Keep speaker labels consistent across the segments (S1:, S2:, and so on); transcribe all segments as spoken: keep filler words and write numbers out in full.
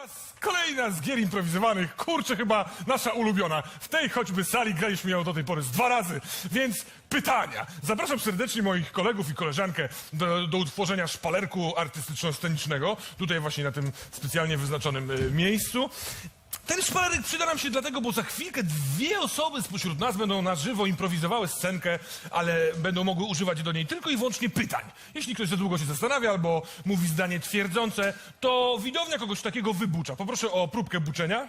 S1: czas! Kolejna z gier improwizowanych. Kurczę, chyba nasza ulubiona. W tej choćby sali graliśmy ją do tej pory z dwa razy. Więc pytania. Zapraszam serdecznie moich kolegów i koleżankę do, do utworzenia szpalerku artystyczno-scenicznego. Tutaj właśnie na tym specjalnie wyznaczonym y, miejscu. Ten szpalerek przyda nam się dlatego, bo za chwilkę dwie osoby spośród nas będą na żywo improwizowały scenkę, ale będą mogły używać do niej tylko i wyłącznie pytań. Jeśli ktoś za długo się zastanawia albo mówi zdanie twierdzące, to widownia kogoś takiego wybucza. Poproszę o próbkę buczenia.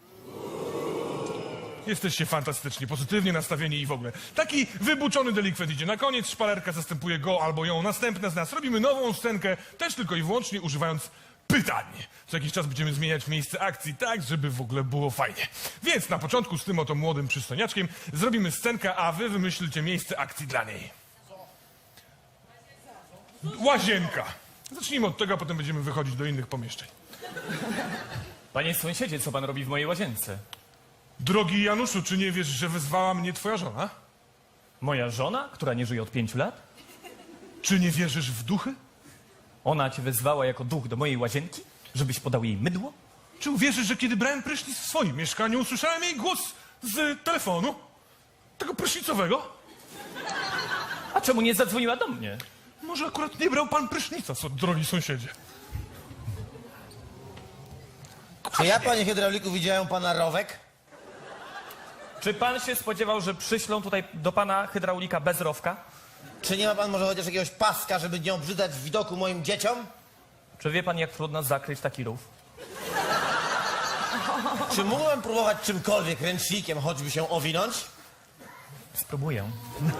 S1: Jesteście fantastyczni, pozytywnie nastawieni i w ogóle. Taki wybuczony delikwent idzie na koniec, szpalerka zastępuje go albo ją, następne z nas. Robimy nową scenkę, też tylko i wyłącznie używając pytań. Co jakiś czas będziemy zmieniać miejsce akcji tak, żeby w ogóle było fajnie. Więc na początku z tym oto młodym przystojniaczkiem zrobimy scenkę, a wy wymyślicie miejsce akcji dla niej. Łazienka. Zacznijmy od tego, a potem będziemy wychodzić do innych pomieszczeń.
S2: Panie sąsiedzie, co pan robi w mojej łazience?
S1: Drogi Januszu, czy nie wiesz, że wezwała mnie twoja żona?
S2: Moja żona, która nie żyje od pięciu lat?
S1: Czy nie wierzysz w duchy?
S2: Ona cię wezwała jako duch do mojej łazienki, żebyś podał jej mydło?
S1: Czy uwierzysz, że kiedy brałem prysznic w swoim mieszkaniu, usłyszałem jej głos z telefonu? Tego prysznicowego?
S2: A czemu nie zadzwoniła do mnie?
S1: Może akurat nie brał pan prysznica, co, drogi sąsiedzie.
S3: Czy ja, panie hydrauliku, widziałem pana rowek?
S2: Czy pan się spodziewał, że przyślą tutaj do pana hydraulika bez rowka?
S3: Czy nie ma pan może chociaż jakiegoś paska, żeby nie obrzydzać w widoku moim dzieciom?
S2: Czy wie pan, jak trudno zakryć taki rów?
S3: Czy mógłbym próbować czymkolwiek ręcznikiem, choćby się owinąć?
S2: Spróbuję.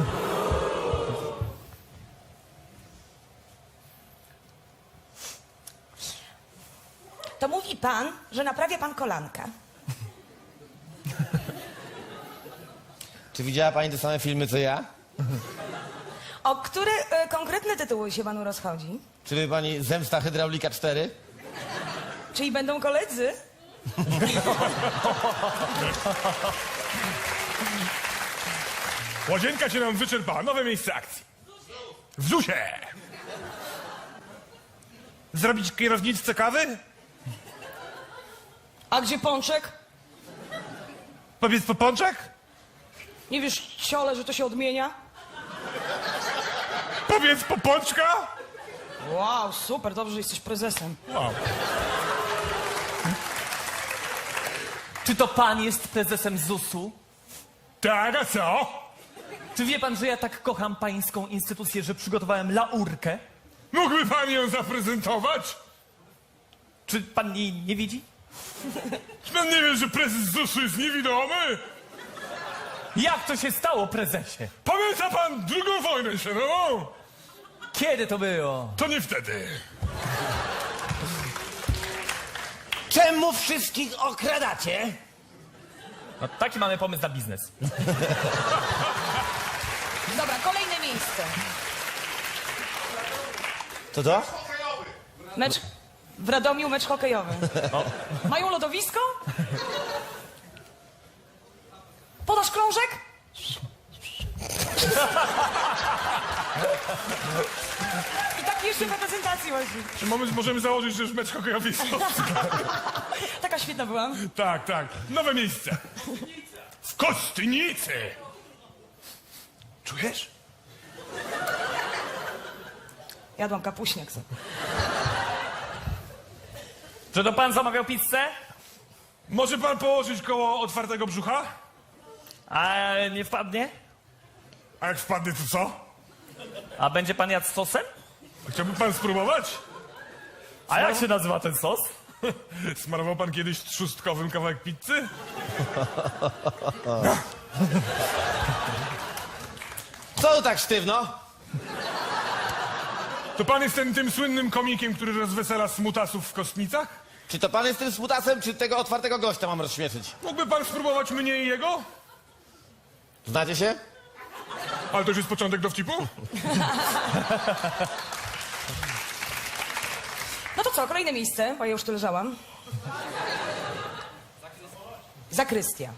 S4: To mówi pan, że naprawia pan kolanka.
S3: Czy widziała pani te same filmy, co ja?
S4: O które e, konkretne tytuły się panu rozchodzi?
S3: Czy wie pani Zemsta Hydraulika cztery?
S4: Czyli będą koledzy?
S1: Łazienka się nam wyczerpała. Nowe miejsce akcji. W ZUSie! Zrobić kierowniczce kawy?
S4: A gdzie pączek?
S1: Powiedz po pączek?
S4: Nie wiesz, ciole, że to się odmienia?
S1: Powiedz po pączka?
S4: Wow, super, dobrze, że jesteś prezesem.
S1: Wow.
S2: Czy to pan jest prezesem zusu?
S1: Tak, a co?
S2: Czy wie pan, że ja tak kocham pańską instytucję, że przygotowałem laurkę?
S1: Mógłby pan ją zaprezentować?
S2: Czy pan jej nie widzi?
S1: Czy pan nie wie, że prezes zusu jest niewidomy?
S2: Jak to się stało, prezesie?
S1: Pamięta pan drugą wojnę światową?
S2: Kiedy to było?
S1: To nie wtedy.
S3: Czemu wszystkich okradacie?
S2: No, taki mamy pomysł na biznes.
S4: Dobra, kolejne miejsce.
S3: To to?
S4: Mecz w Radomiu, mecz hokejowy. Mają lodowisko? Podasz krążek? I tak jeszcze w reprezentacji właśnie.
S1: Czy mamy, możemy założyć, że już mecz hokejowy jest?
S4: Taka świetna była.
S1: Tak, tak. Nowe miejsce. W Kostnicy. Czujesz?
S4: Jadłam kapuśniak sobie.
S2: Czy to pan zamawiał pizzę?
S1: Może pan położyć koło otwartego brzucha?
S2: A nie wpadnie?
S1: A jak wpadnie, to co?
S2: A będzie pan jadł z sosem?
S1: Chciałby pan spróbować?
S2: A jak się nazywa ten sos?
S1: Smarował pan kiedyś trzustkowym kawałek pizzy?
S3: Co tu tak sztywno?
S1: To pan jest ten, tym słynnym komikiem, który rozwesela smutasów w Kostnicach?
S3: Czy to pan jest tym smutasem, czy tego otwartego gościa mam rozśmieszyć?
S1: Mógłby pan spróbować mnie i jego?
S3: Znacie się?
S1: Ale to już jest początek dowcipu?
S4: No to co, kolejne miejsce, bo ja już tu leżałam. Zakrystia.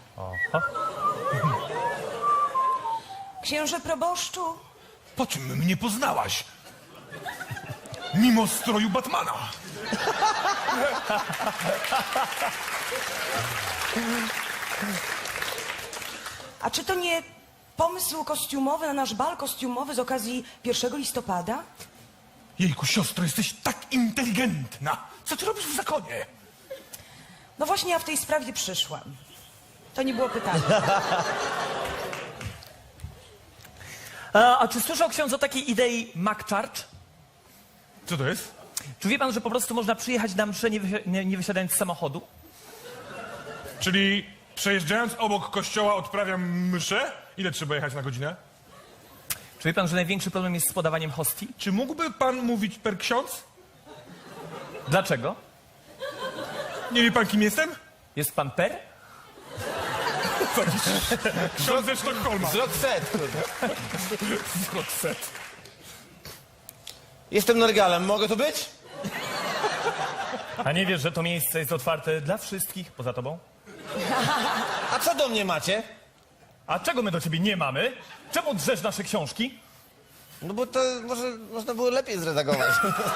S4: Księże proboszczu,
S1: Po czym mnie poznałaś? Mimo stroju Batmana.
S4: A czy to nie pomysł kostiumowy na nasz bal kostiumowy z okazji pierwszego listopada?
S1: Jejku, siostro, jesteś tak inteligentna. Co ty robisz w zakonie?
S4: No właśnie ja w tej sprawie przyszłam. To nie było pytanie.
S2: A, a czy słyszał ksiądz o takiej idei McCharge?
S1: Co to jest?
S2: Czy wie pan, że po prostu można przyjechać na mszę nie, wysi- nie, nie wysiadając z samochodu?
S1: Czyli przejeżdżając obok kościoła odprawiam mszę? Ile trzeba jechać na godzinę?
S2: Czy wie pan, że największy problem jest z podawaniem hostii?
S1: Czy mógłby pan mówić per ksiądz?
S2: Dlaczego?
S1: Nie wie pan, kim jestem?
S2: Jest pan per?
S1: Ksiądz ze Sztokholma.
S3: Z Roxette.
S1: Z Roxette.
S3: Jestem Norgalem, mogę tu być?
S2: A nie wiesz, że to miejsce jest otwarte dla wszystkich poza tobą?
S3: A co do mnie macie?
S2: A czego my do ciebie nie mamy? Czemu drzesz nasze książki?
S3: No bo to może można było lepiej zredagować.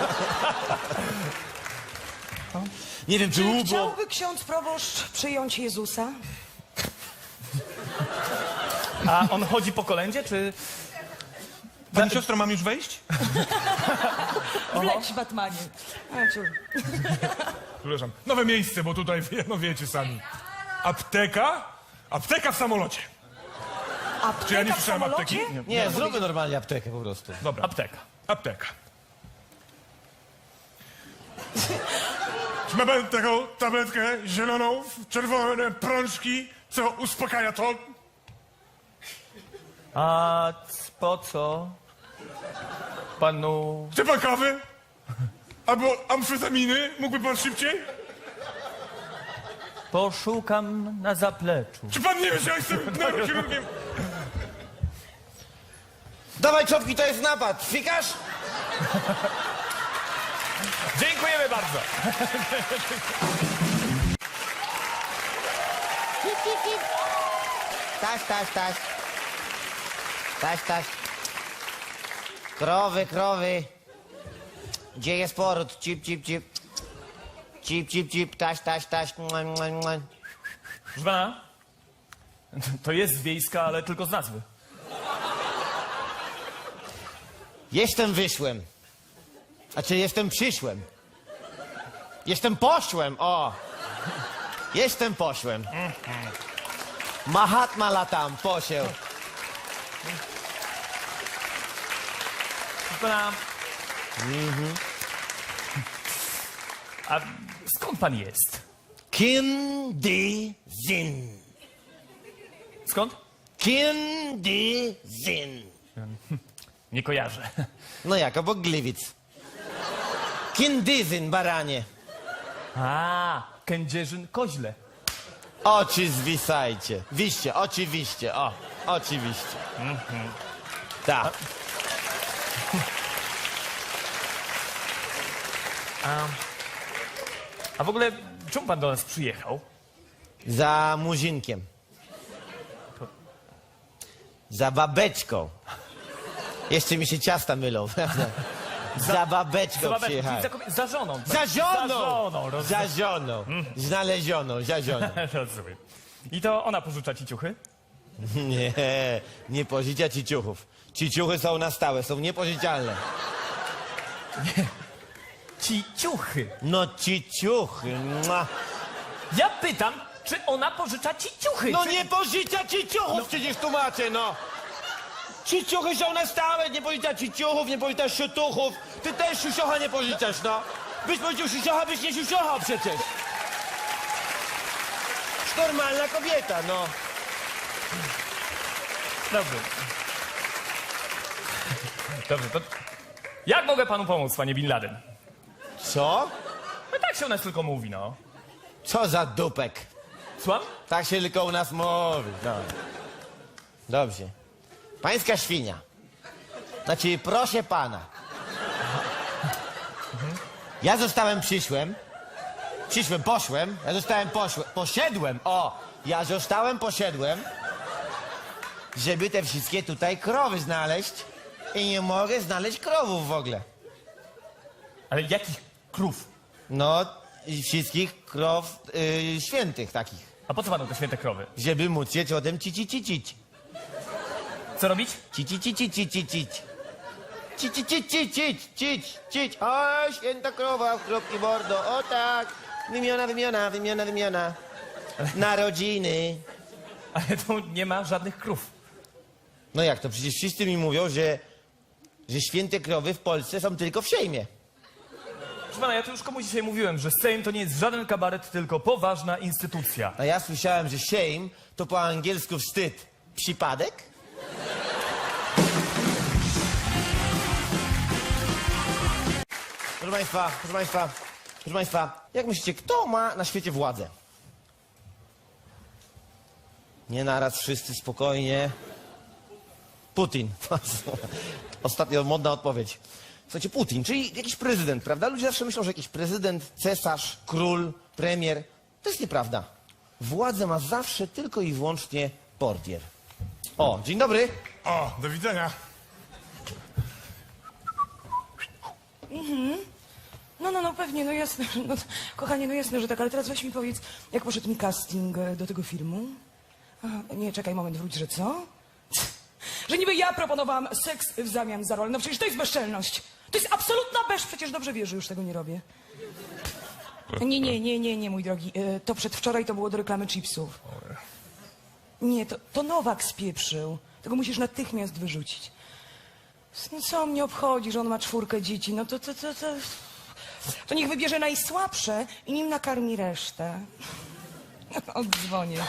S3: Nie wiem, czy
S4: Czy
S3: U było...
S4: chciałby ksiądz proboszcz przyjąć Jezusa?
S2: A on chodzi po kolędzie, czy...
S1: Pani siostro, mam już wejść?
S4: Wleć, Batmanie. A, ciur.
S1: Przepraszam. Nowe miejsce, bo tutaj, wie- no wiecie sami. Apteka? Apteka w samolocie.
S4: Apteka
S1: Czy ja nie
S4: w
S1: słyszałem
S4: samolocie?
S1: apteki?
S3: Nie, zróbmy normalnie aptekę po prostu.
S1: Dobra.
S2: Apteka.
S1: Apteka. Czy ma pan taką tabletkę zieloną, w czerwone prążki, co uspokaja to?
S2: A c- po co panu...
S1: Chce pan kawy? Albo amfetaminy? Mógłby pan szybciej?
S2: Poszukam na zapleczu.
S1: Czy pan nie wie, że ja jestem neurochirurgiem?
S3: Dawaj czopki, to jest napad. Fikasz?
S2: Dziękujemy bardzo.
S3: Taś, taś, taś. Taś, taś. Krowy, krowy. Gdzie jest poród? Cip, cip, cip. Cip, cip, cip. Taś, taś, taś. Mua, mua, mua.
S2: Proszę pana, to jest wiejska, ale tylko z nazwy.
S3: Jestem wyszłem. Znaczy, jestem przyszłem. Jestem poszłem, o. Jestem poszłem. Mahatma latam, posieł.
S2: Proszę pana... A skąd pan jest?
S3: Kim di zin.
S2: Skąd?
S3: Kim di zin.
S2: Nie kojarzę.
S3: No jak, obok Gliwic. Kindyzyn, baranie.
S2: A, Kędzierzyn Koźle.
S3: Oczy zwisajcie. Wiście, oczywiście, o. Oczywiście. Tak.
S2: A w ogóle, czemu pan do nas przyjechał?
S3: Za muzinkiem. Za babeczką. Jeszcze mi się ciasta mylą. Za babeczką
S2: Za babeczką,
S3: przyjechałem.
S2: czyli za, kobie- za żoną.
S3: Za żoną!
S2: Za żoną, roz...
S3: Za żoną. Znalezioną, za żoną.
S2: rozumiem. I to ona pożycza ci ciuchy?
S3: Nie, nie pożycza ci ciuchów. Ci ciuchy są na stałe, są niepożyczalne.
S2: Ci ciuchy.
S3: No ci ciuchy. Mua.
S2: Ja pytam, czy ona pożycza ci ciuchy?
S3: No
S2: czy...
S3: nie pożycza ci ciuchów, przecież tłumaczę, no. Ci ciuchy są na stałe, nie pożycza ci ciuchów, nie pożyczasz siutuchów. Ty też siusiocha nie pożyczasz, no. Byś powiedział siusiocha, byś nie siusiochał przecież. Normalna kobieta, no.
S2: Dobrze. Dobrze, to... Jak mogę panu pomóc, panie Bin Laden?
S3: Co?
S2: No tak się u nas tylko mówi, no.
S3: Co za dupek.
S2: Słucham?
S3: Tak się tylko u nas mówi. No. Dobrze. Pańska świnia. Znaczy, proszę pana. Ja zostałem przyszłem. Przyszłem, poszłem. Ja zostałem poszłem. Poszedłem. O! Ja zostałem, poszedłem. Żeby te wszystkie tutaj krowy znaleźć. I nie mogę znaleźć krowów w ogóle.
S2: Ale jakich krów?
S3: No, i wszystkich krow y, świętych takich.
S2: A po co panu te święte krowy?
S3: Żeby móc je ciodem cici cicić.
S2: Co robić?
S3: Cici cici cici cić. Cici cici cić cić cić. O, święta krowa w kropki bordo. O tak. Wymiona, wymiona, wymiona, wymiona. Narodziny.
S2: Ale tu nie ma żadnych krów.
S3: No jak to? Przecież wszyscy mi mówią, że, że święte krowy w Polsce są tylko w Sejmie.
S2: Proszę pana, ja tu już komuś dzisiaj mówiłem, że Sejm to nie jest żaden kabaret, tylko poważna instytucja.
S3: A ja słyszałem, że shame to po angielsku wstyd. Przypadek? Proszę Państwa, proszę Państwa, proszę Państwa, jak myślicie, kto ma na świecie władzę? Nie naraz, wszyscy spokojnie. Putin. Ostatnio modna odpowiedź. Słuchajcie, Putin, czyli jakiś prezydent, prawda? Ludzie zawsze myślą, że jakiś prezydent, cesarz, król, premier. To jest nieprawda. Władzę ma zawsze tylko i wyłącznie portier. O, dzień dobry.
S1: O, do widzenia.
S4: No, no, no, pewnie, no jasne. No, kochanie, no jasne, że tak, ale teraz weź mi powiedz, jak poszedł mi casting e, do tego filmu? Aha, nie, czekaj, moment, wróć, że co? Że niby ja proponowałam seks w zamian za rolę. No przecież to jest bezczelność. To jest absolutna bez, przecież dobrze wiesz, że już tego nie robię. Nie, nie, nie, nie, nie, mój drogi. E, To przedwczoraj to było do reklamy chipsów. Nie, to, to Nowak spieprzył. Tego musisz natychmiast wyrzucić. No co mnie obchodzi, że on ma czwórkę dzieci? No to, to, to, to... To niech wybierze najsłabsze i nim nakarmi resztę. Oddzwonię.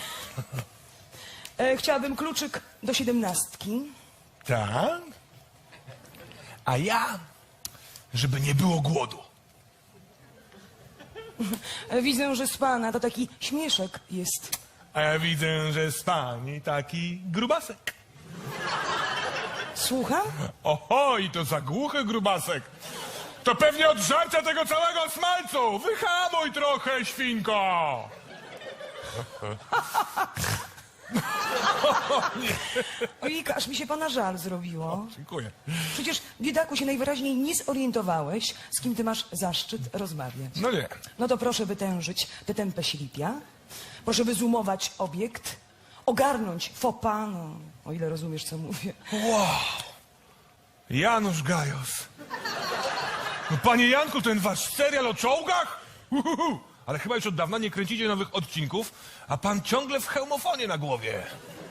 S4: E, chciałabym kluczyk do siedemnastki.
S1: Tak? A ja, żeby nie było głodu.
S4: E, widzę, że z pana to taki śmieszek jest.
S1: A ja widzę, że z pani taki grubasek.
S4: Słucham?
S1: Oho, i to za głuchy grubasek. To pewnie od żarcia tego całego smalcu. Wyhamuj trochę, świnko.
S4: Ojejka, aż mi się pana żal zrobiło.
S1: Dziękuję.
S4: Przecież, biedaku, się najwyraźniej nie zorientowałeś, z kim ty masz zaszczyt rozmawiać.
S1: No nie.
S4: No to proszę wytężyć tę tempę silipia, proszę wyzumować obiekt, ogarnąć fopa, no, o ile rozumiesz, co mówię.
S1: Wow. Janusz Gajos. No, panie Janku, ten wasz serial o czołgach? Uhuhu. Ale chyba już od dawna nie kręcicie nowych odcinków, a pan ciągle w hełmofonie na głowie.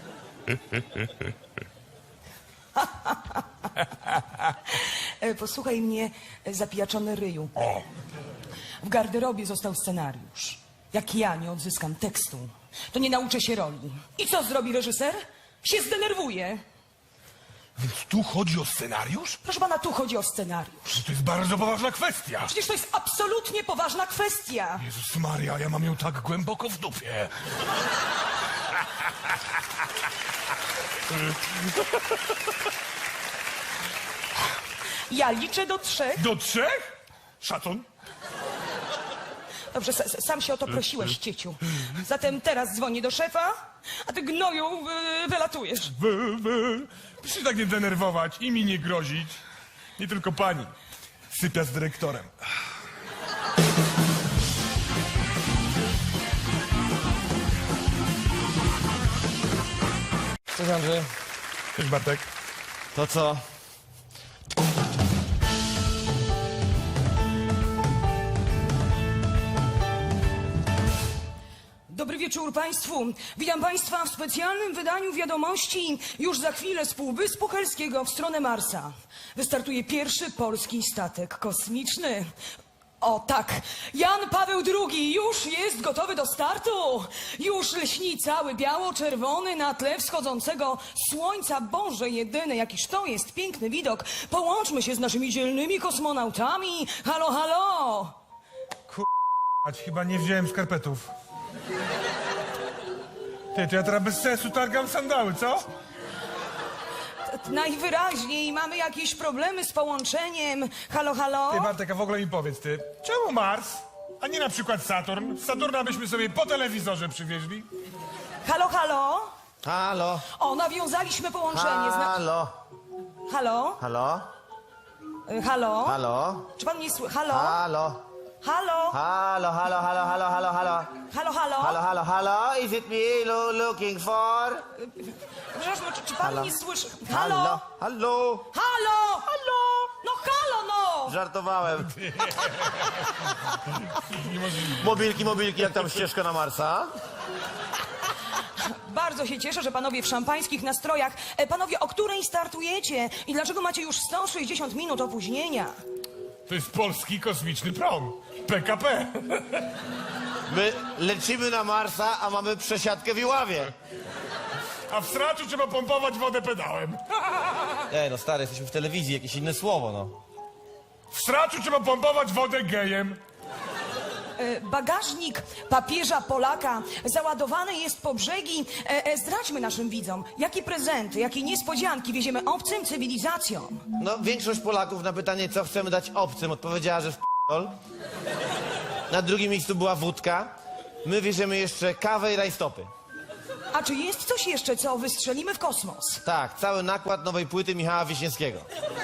S4: E, Posłuchaj mnie, e, zapijaczony ryju.
S1: O,
S4: W garderobie został scenariusz. Jak ja nie odzyskam tekstu, to nie nauczę się roli. I co zrobi reżyser? Się zdenerwuje.
S1: więc tu chodzi o scenariusz?
S4: Proszę pana, tu chodzi o scenariusz.
S1: To jest bardzo poważna kwestia.
S4: Przecież to jest absolutnie poważna kwestia.
S1: Jezus Maria, ja mam ją tak głęboko w dupie.
S4: Ja liczę do trzech.
S1: Do trzech? Szacun.
S4: Dobrze, s- sam się o to prosiłeś, cieciu. Zatem teraz dzwonię do szefa, a ty gnoju wy- wylatujesz.
S1: Wy, wy. Proszę się tak nie denerwować i mi nie grozić. Nie tylko pani. Sypia z dyrektorem.
S3: Cześć Andrzej.
S1: Cześć Bartek.
S3: To co?
S4: Dobry wieczór Państwu. Witam Państwa w specjalnym wydaniu wiadomości już za chwilę z Półwyspu Helskiego w stronę Marsa. Wystartuje pierwszy polski statek kosmiczny. O tak, Jan Paweł drugi już jest gotowy do startu. Już lśni cały biało-czerwony na tle wschodzącego słońca. Boże jedyny, jakiż to jest piękny widok. Połączmy się z naszymi dzielnymi kosmonautami. Halo, halo.
S1: Ać, chyba nie wziąłem skarpetów. Ty, to ja teraz bez sensu targam sandały, co?
S4: Najwyraźniej mamy jakieś problemy z połączeniem. Halo, halo?
S1: Ty, Bartek, a w ogóle mi powiedz, ty, czemu Mars, a nie na przykład Saturn? Saturna byśmy sobie po telewizorze przywieźli.
S4: Halo, halo?
S3: Halo,
S4: O, nawiązaliśmy połączenie. Zna...
S3: halo,
S4: Halo?
S3: halo.
S4: Y, Halo?
S3: Halo?
S4: Czy pan mnie słyszy? Halo?
S3: Halo?
S4: Halo?
S3: Halo, halo, halo, halo, halo, halo.
S4: Halo, halo?
S3: Halo, halo, halo, is it me lo- looking for?
S4: Przepraszam, czy, czy pan
S3: Halo?
S4: mnie słyszy?
S3: Halo?
S4: Halo?
S3: Halo?
S4: Halo? Halo? No halo, no!
S3: Żartowałem. Mobilki, mobilki, jak tam ścieżka na Marsa?
S4: Bardzo się cieszę, że panowie w szampańskich nastrojach. E, panowie, o której startujecie? I dlaczego macie już sto sześćdziesiąt minut opóźnienia?
S1: To jest polski kosmiczny prom. P K P.
S3: My lecimy na Marsa, a mamy przesiadkę w Iławie.
S1: A w sraczu trzeba pompować wodę pedałem.
S3: Ej, no stary, jesteśmy w telewizji, jakieś inne słowo, no.
S1: W sraczu trzeba pompować wodę gejem.
S4: E, bagażnik papieża Polaka załadowany jest po brzegi. E, e, zdradźmy naszym widzom, jakie prezenty, jakie niespodzianki wieziemy obcym cywilizacjom.
S3: No, większość Polaków na pytanie, co chcemy dać obcym, odpowiedziała, że w p***ol. Na drugim miejscu była wódka. My wieziemy jeszcze kawę i rajstopy.
S4: A czy jest coś jeszcze, co wystrzelimy w kosmos?
S3: Tak, cały nakład nowej płyty Michała Wiśniewskiego.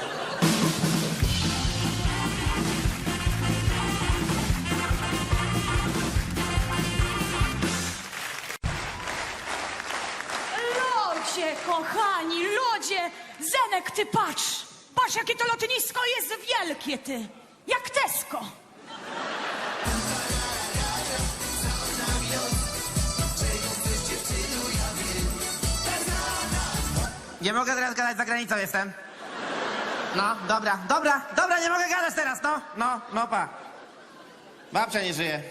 S5: Lodzie, kochani, lodzie! Zenek, ty patrz! Patrz, jakie to lotnisko jest wielkie, ty! Jak Tesco!
S6: Nie mogę teraz gadać, za granicą jestem. No, dobra, dobra, dobra, nie mogę gadać teraz, no, no, no pa. Babcia nie żyje.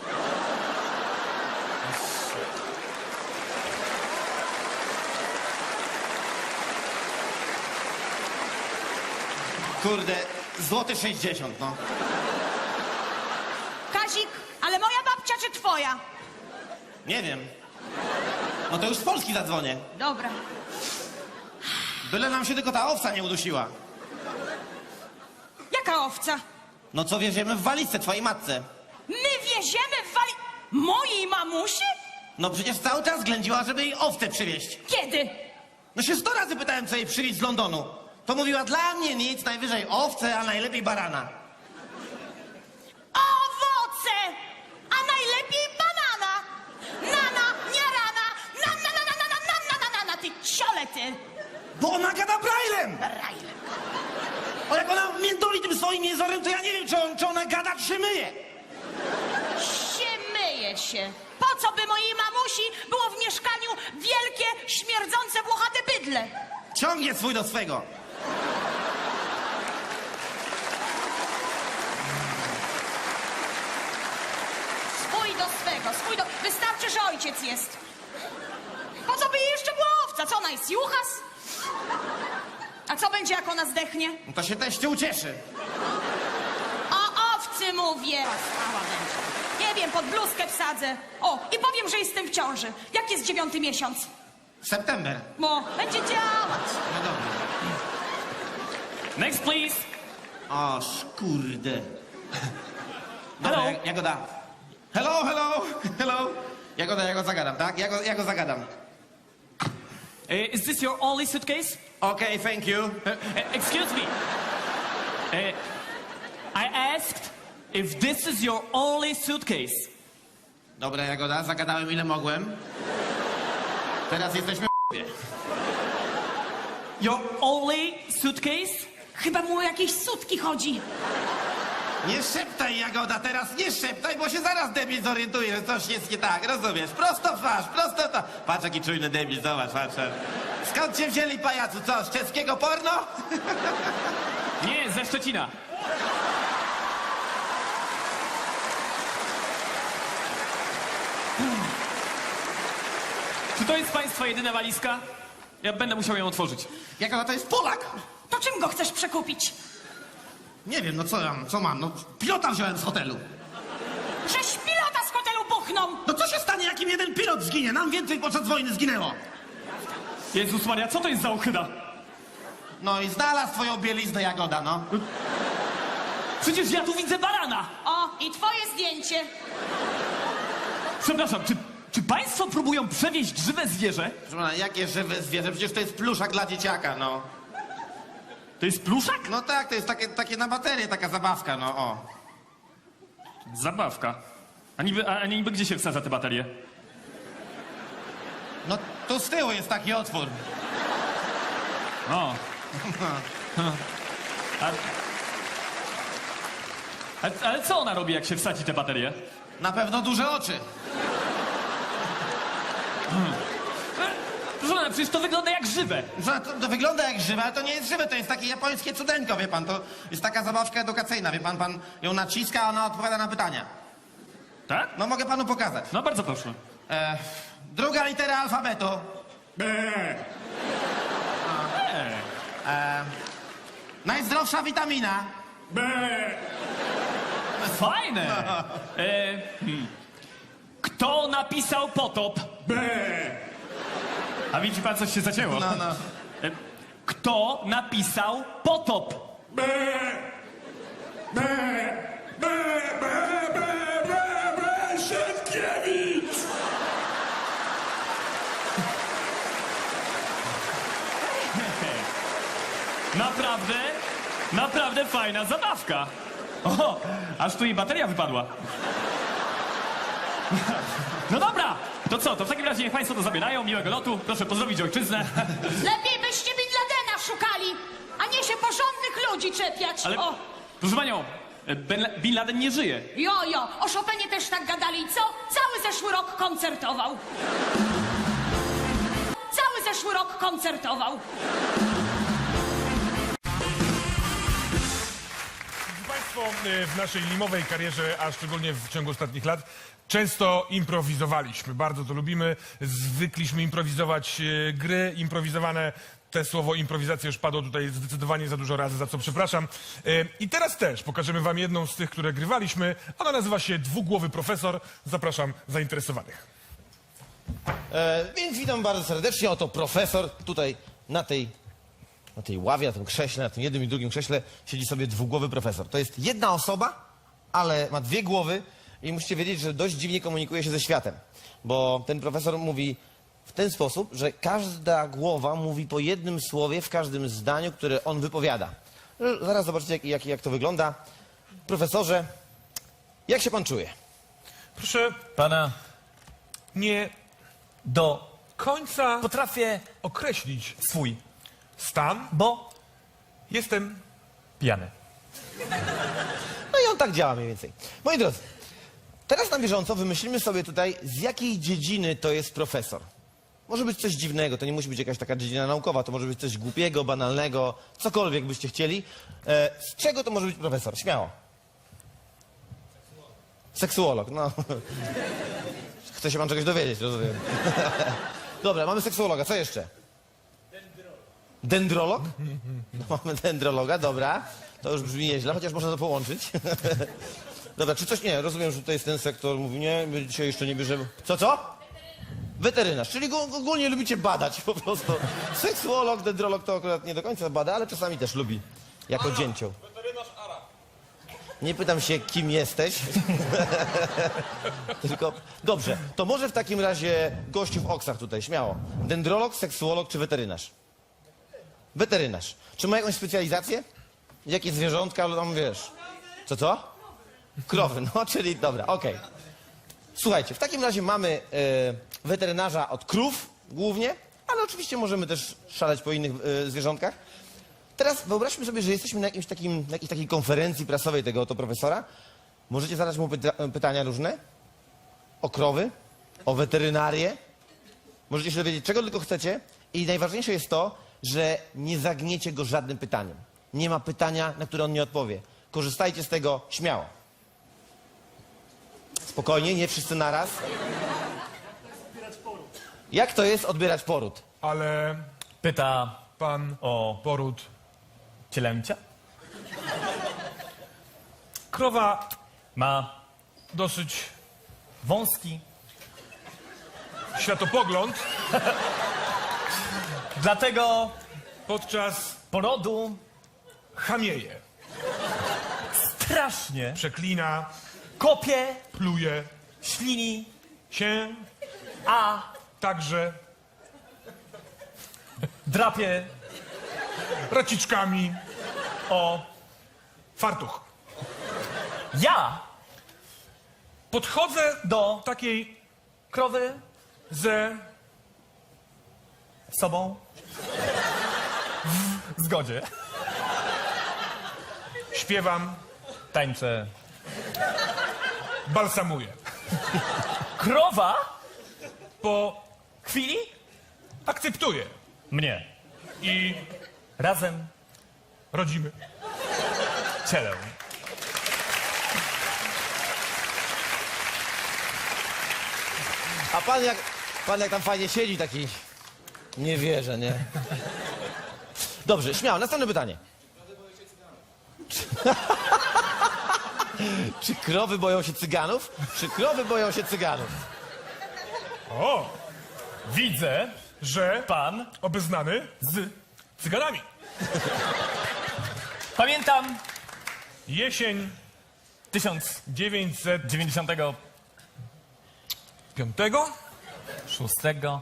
S6: Kurde, złoty sześćdziesiąt, no.
S5: Kazik, ale moja babcia czy twoja?
S6: Nie wiem. No to już z Polski zadzwonię.
S5: Dobra.
S6: Byle nam się tylko ta owca nie udusiła.
S5: Jaka owca?
S6: No co wieziemy w walizce twojej matce?
S5: My wieziemy w wali... Mojej mamusi?
S6: No przecież cały czas ględziła, żeby jej owce przywieźć.
S5: Kiedy?
S6: No się sto razy pytałem, co jej przywieźć z Londonu. To mówiła, dla mnie nic, najwyżej owce, a najlepiej barana.
S5: Owoce! A najlepiej banana! Nana, nie rana! Na, na, na, na, na, na, na, na, na, na, ty ciole, ty!
S6: Bo ona gada braillem!
S5: Rajle.
S6: O, jak ona międoli tym swoim jezorem, to ja nie wiem, czy, on, czy ona gada, czy się myje.
S5: Się myje się. Po co by mojej mamusi było w mieszkaniu wielkie, śmierdzące, włochate bydle?
S6: Ciągnie swój do swego.
S5: Swój do swego, swój do... Wystarczy, że ojciec jest. Po co by jej jeszcze była owca? Co ona jest, juchas? A co będzie, jak ona zdechnie?
S6: No to się teście ucieszy.
S5: O owcy mówię. Stała będzie. Nie wiem, pod bluzkę wsadzę. O, i powiem, że jestem w ciąży. Jak jest dziewiąty miesiąc?
S6: September.
S5: Bo będzie działać.
S6: No dobra.
S2: Next, please.
S6: O, kurde. Dobra,
S2: Hello.
S6: ja, ja go dam. Hello, hello, hello. Ja go, ja go zagadam, tak? Ja go, ja go zagadam.
S2: Uh, is this your only suitcase?
S6: Okay, thank you.
S2: Uh, uh, excuse me. Uh, I asked if this is your only suitcase.
S6: Dobra, Jagoda, zagadałem ile mogłem. Teraz jesteśmy w
S2: Your only suitcase?
S5: Chyba mu o jakieś sutki chodzi.
S6: Nie szeptaj, Jagoda, teraz nie szeptaj, bo się zaraz debil zorientuje, że coś jest nie tak, rozumiesz? Prosto w twarz, prosto to. Patrz, jaki czujny debil, zobacz, patrz. Skąd cię wzięli, pajacu, co, z czeskiego porno?
S2: Nie, ze Szczecina. Czy to jest państwa jedyna walizka? Ja będę musiał ją otworzyć.
S6: Jagoda, to jest Polak.
S5: To czym go chcesz przekupić?
S6: Nie wiem, no co ja, co mam, no pilota wziąłem z hotelu.
S5: Żeś pilota z hotelu buchnął!
S6: No co się stanie, jak im jeden pilot zginie? Nam więcej podczas wojny zginęło.
S2: Jezus Maria, co to jest za ochyda?
S6: No i znalazł twoją bieliznę, Jagoda, no.
S2: Przecież ja tu widzę barana!
S5: O, i twoje zdjęcie.
S2: Przepraszam, czy, czy państwo próbują przewieźć żywe zwierzę?
S6: Proszę pana, jakie żywe zwierzę? Przecież to jest pluszak dla dzieciaka, no.
S2: To jest pluszak?
S6: No tak, to jest takie, takie na baterię, taka zabawka, no o.
S2: Zabawka. A niby, a niby gdzie się wsadza te baterie?
S6: No tu z tyłu jest taki otwór.
S2: O. A, a, ale co ona robi, jak się wsadzi te baterie?
S6: Na pewno duże oczy.
S2: Proszę pana, przecież to wygląda jak żywe.
S6: Że to, to wygląda jak żywe, ale to nie jest żywe, to jest takie japońskie cudeńko, wie pan. To jest taka zabawka edukacyjna, wie pan, pan ją naciska, a ona odpowiada na pytania.
S2: Tak?
S6: No mogę panu pokazać.
S2: No bardzo proszę.
S6: E, druga litera alfabetu. E, najzdrowsza witamina.
S2: Fajne! E, hmm. Kto napisał potop? A widzi pan, coś się zacięło.
S6: No, no.
S2: E, Kto napisał potop?
S1: Sienkiewicz!
S2: Naprawdę, naprawdę fajna zabawka. O, aż tu jej bateria wypadła. No dobra, to co, to w takim razie niech państwo to zabierają, miłego lotu, proszę pozdrowić ojczyznę.
S5: Lepiej byście Bin Ladena szukali, a nie się porządnych ludzi czepiać.
S2: Ale,
S5: O,
S2: proszę panią, Ben, Bin Laden nie żyje.
S5: jo, jo, o Chopinie też tak gadali, co? Cały zeszły rok koncertował. Cały zeszły rok koncertował.
S1: Państwo y, w naszej limowej karierze, a szczególnie w ciągu ostatnich lat, często improwizowaliśmy. Bardzo to lubimy. Zwykliśmy improwizować y, gry improwizowane. Te słowo improwizacja już padło tutaj zdecydowanie za dużo razy, za co przepraszam. Y, I teraz też pokażemy wam jedną z tych, które grywaliśmy. Ona nazywa się Dwugłowy Profesor. Zapraszam zainteresowanych.
S3: E, więc witam bardzo serdecznie. Oto profesor tutaj na tej, na tej ławie, na tym krześle, na tym jednym i drugim krześle siedzi sobie dwugłowy profesor. To jest jedna osoba, ale ma dwie głowy i musicie wiedzieć, że dość dziwnie komunikuje się ze światem. Bo ten profesor mówi w ten sposób, że każda głowa mówi po jednym słowie w każdym zdaniu, które on wypowiada. Zaraz zobaczycie, jak, jak, jak to wygląda. Profesorze, jak się pan czuje?
S1: Proszę
S7: Pana
S1: nie
S7: do...
S1: końca
S7: Potrafię
S1: określić
S7: swój,
S1: stan.
S7: bo
S1: Jestem
S7: pijany.
S3: No i on tak działa mniej więcej. Moi drodzy, teraz na bieżąco wymyślimy sobie tutaj, z jakiej dziedziny to jest profesor. Może być coś dziwnego, to nie musi być jakaś taka dziedzina naukowa, to może być coś głupiego, banalnego, cokolwiek byście chcieli. E, z czego to może być profesor? Śmiało. Seksuolog, no. Chce się pan czegoś dowiedzieć, rozumiem. Dobra, mamy seksuologa, co jeszcze? Dendrolog? No, mamy dendrologa, dobra. To już brzmi nieźle, chociaż można to połączyć. Dobra, czy coś nie? Rozumiem, że tutaj jest ten sektor, mówi nie, my dzisiaj jeszcze nie bierzemy. Co, co? Weterynarz, czyli go- ogólnie lubicie badać po prostu. Seksuolog, dendrolog to akurat nie do końca bada, ale czasami też lubi, jako dzięcioł. Nie pytam się, kim jesteś. Tylko, dobrze, to może w takim razie gościu w oksach tutaj, śmiało. Dendrolog, seksuolog czy weterynarz? Weterynarz. Czy ma jakąś specjalizację? Jakie zwierzątka, tam wiesz? Co, co? Krowy, no, czyli dobra, okej. Słuchajcie, w takim razie mamy e, weterynarza od krów głównie, ale oczywiście możemy też szaleć po innych e, zwierzątkach. Teraz wyobraźmy sobie, że jesteśmy na jakimś takim, na jakiejś takiej konferencji prasowej tego oto profesora. Możecie zadać mu pyta pytania różne o krowy, o weterynarię. Możecie się dowiedzieć, czego tylko chcecie. I najważniejsze jest to, że nie zagniecie go żadnym pytaniem. Nie ma pytania, na które on nie odpowie. Korzystajcie z tego śmiało. Spokojnie, nie wszyscy naraz. Jak to jest odbierać poród?
S1: Ale
S7: Pyta
S1: pan
S7: o
S1: poród.
S7: cielęcia.
S1: Krowa
S7: Ma
S1: dosyć
S7: wąski,
S1: światopogląd.
S7: dlatego
S1: Podczas
S7: porodu
S1: chamieje.
S7: strasznie
S1: Przeklina,
S7: kopie,
S1: pluje
S7: ślini,
S1: się,
S7: a
S1: także
S7: drapie
S1: raciczkami,
S7: O.
S1: Fartuch.
S7: Ja.
S1: Podchodzę
S7: Do.
S1: takiej
S7: Krowy.
S1: ze...
S7: Sobą. W zgodzie.
S1: Śpiewam,
S7: Tańczę.
S1: balsamuję.
S7: Krowa.
S1: Po
S7: Chwili.
S1: akceptuję
S7: Mnie.
S1: i
S7: Razem.
S1: rodzimy.
S7: Cielę.
S3: A pan jak, pan jak tam fajnie siedzi, taki... Nie wierzę, nie? Dobrze, śmiało. Następne pytanie. Czy krowy boją się cyganów? Czy krowy boją się cyganów?
S1: O,
S7: Widzę.
S1: że
S7: Pan.
S1: obeznany z cyganami.
S7: Pamiętam.
S1: Jesień
S7: tysiąc
S1: dziewięćset
S7: dziewięćdziesiątego
S1: piątego.
S7: szóstego.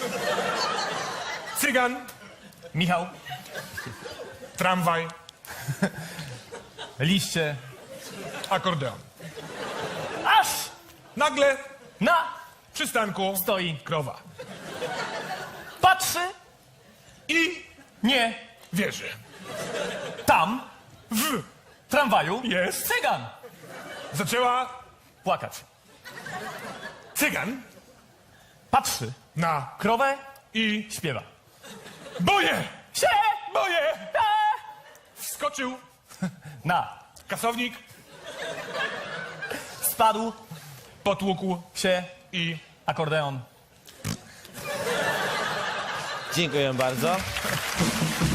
S1: Cygan,
S7: Michał.
S1: tramwaj,
S7: Liście.
S1: akordeon.
S7: Aż.
S1: Nagle
S7: Na.
S1: w przystanku
S7: Stoi.
S1: krowa.
S7: Patrzy.
S1: I
S7: Nie.
S1: wierzy.
S7: Tam.
S1: W
S7: Tramwaju.
S1: Jest.
S7: Cygan.
S1: zaczęła
S7: Płakać.
S1: cygan
S7: Patrzy.
S1: na
S7: Krowę.
S1: i
S7: Śpiewa.
S1: boję,
S7: Się.
S1: boję.
S7: E.
S1: Wskoczył
S7: Na.
S1: kasownik,
S7: Spadł.
S1: potłukł
S7: Się.
S1: i
S7: Akordeon.
S3: Dziękuję bardzo.